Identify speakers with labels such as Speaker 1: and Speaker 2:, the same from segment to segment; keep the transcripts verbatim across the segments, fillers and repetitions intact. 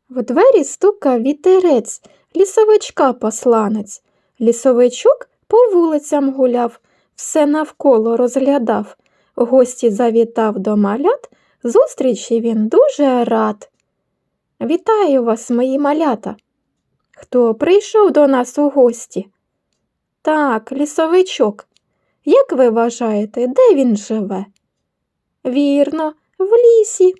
Speaker 1: В двері стукав вітерець, лісовичка посланець. Лісовичок по вулицям гуляв, все навколо розглядав. Гості завітав до малят, зустрічі він дуже рад. Вітаю вас, мої малята! Хто прийшов до нас у гості? Так, лісовичок. Як ви вважаєте, де він живе? Вірно, в лісі.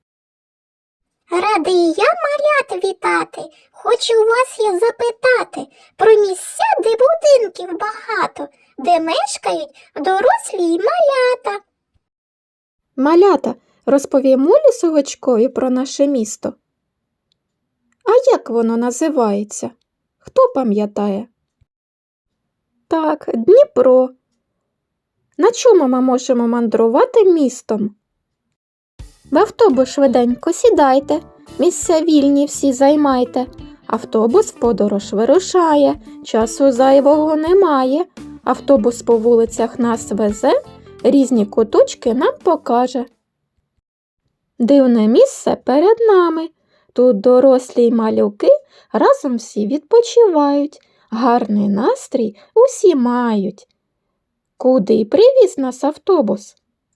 Speaker 2: Радий я малят вітати, хочу вас я запитати про місця, де будинків багато, де мешкають дорослі й малята.
Speaker 1: Малята, розповімо лісовичкові про наше місто. А як воно називається? Хто пам'ятає? Так, Дніпро. На чому ми можемо мандрувати містом? В автобус швиденько сідайте, місця вільні всі займайте. Автобус в подорож вирушає, часу зайвого немає. Автобус по вулицях нас везе, різні куточки нам покаже. Дивне місце перед нами. Тут дорослі й малюки разом всі відпочивають. Гарний настрій усі мають. Куди привіз нас автобус?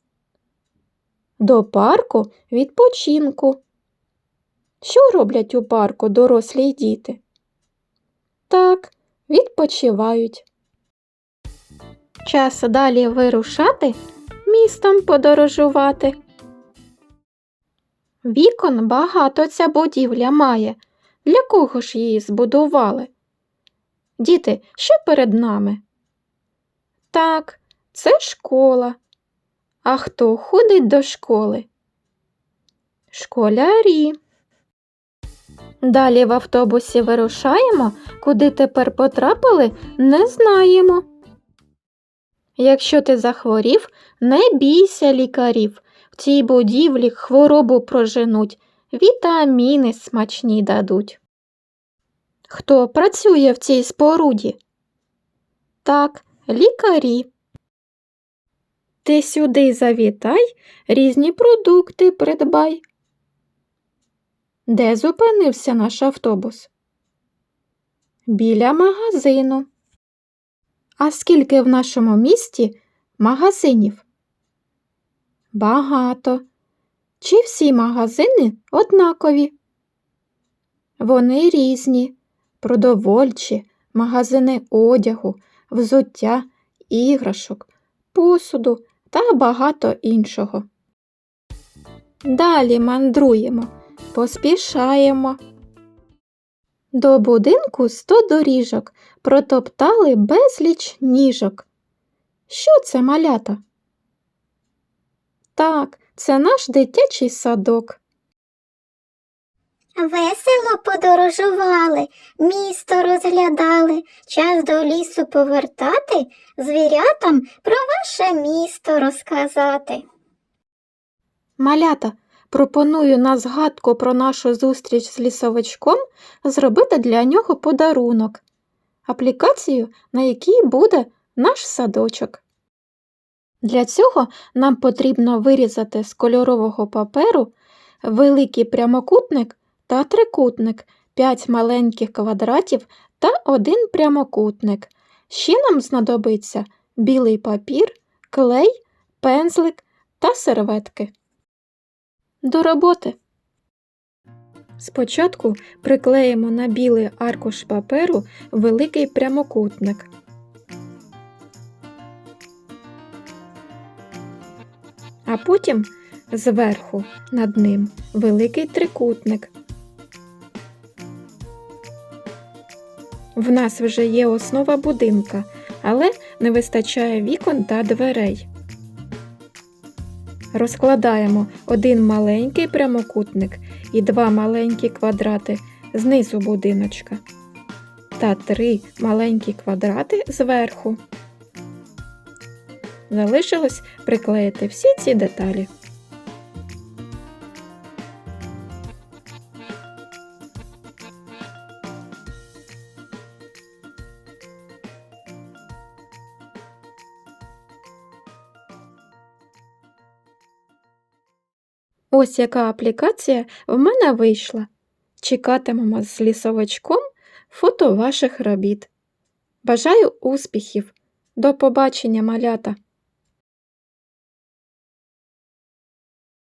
Speaker 1: До парку відпочинку. Що роблять у парку дорослі й діти? Так, відпочивають. Час далі вирушати, містом подорожувати. Вікон багато ця будівля має. Для кого ж її збудували? Діти, що перед нами? Так, це школа. А хто ходить до школи? Школярі. Далі в автобусі вирушаємо, куди тепер потрапили, не знаємо. Якщо ти захворів, не бійся лікарів. В цій будівлі хворобу проженуть, вітаміни смачні дадуть. Хто працює в цій споруді? Так, лікарі. Ти сюди завітай, різні продукти придбай. Де зупинився наш автобус? Біля магазину. А скільки в нашому місті магазинів? Багато. Чи всі магазини однакові? Вони різні. Продовольчі, магазини одягу, взуття, іграшок, посуду та багато іншого. Далі мандруємо, поспішаємо. До будинку сто доріжок, протоптали безліч ніжок. Що це, малята? Так, це наш дитячий садок.
Speaker 2: Весело подорожували, місто розглядали, час до лісу повертати, звірятам про ваше місто розказати.
Speaker 1: Малята, пропоную на згадку про нашу зустріч з лісовичком зробити для нього подарунок. Аплікацію, на якій буде наш садочок. Для цього нам потрібно вирізати з кольорового паперу великий прямокутник та трикутник, п'ять маленьких квадратів та один прямокутник. Ще нам знадобиться білий папір, клей, пензлик та серветки. До роботи! Спочатку приклеїмо на білий аркуш паперу великий прямокутник. А потім зверху над ним великий трикутник. В нас вже є основа будинка, але не вистачає вікон та дверей. Розкладаємо один маленький прямокутник і два маленькі квадрати знизу будиночка та три маленькі квадрати зверху. Залишилось приклеїти всі ці деталі. Ось яка аплікація в мене вийшла. Чекатимемо з лісовичком фото ваших робіт. Бажаю успіхів! До побачення, малята!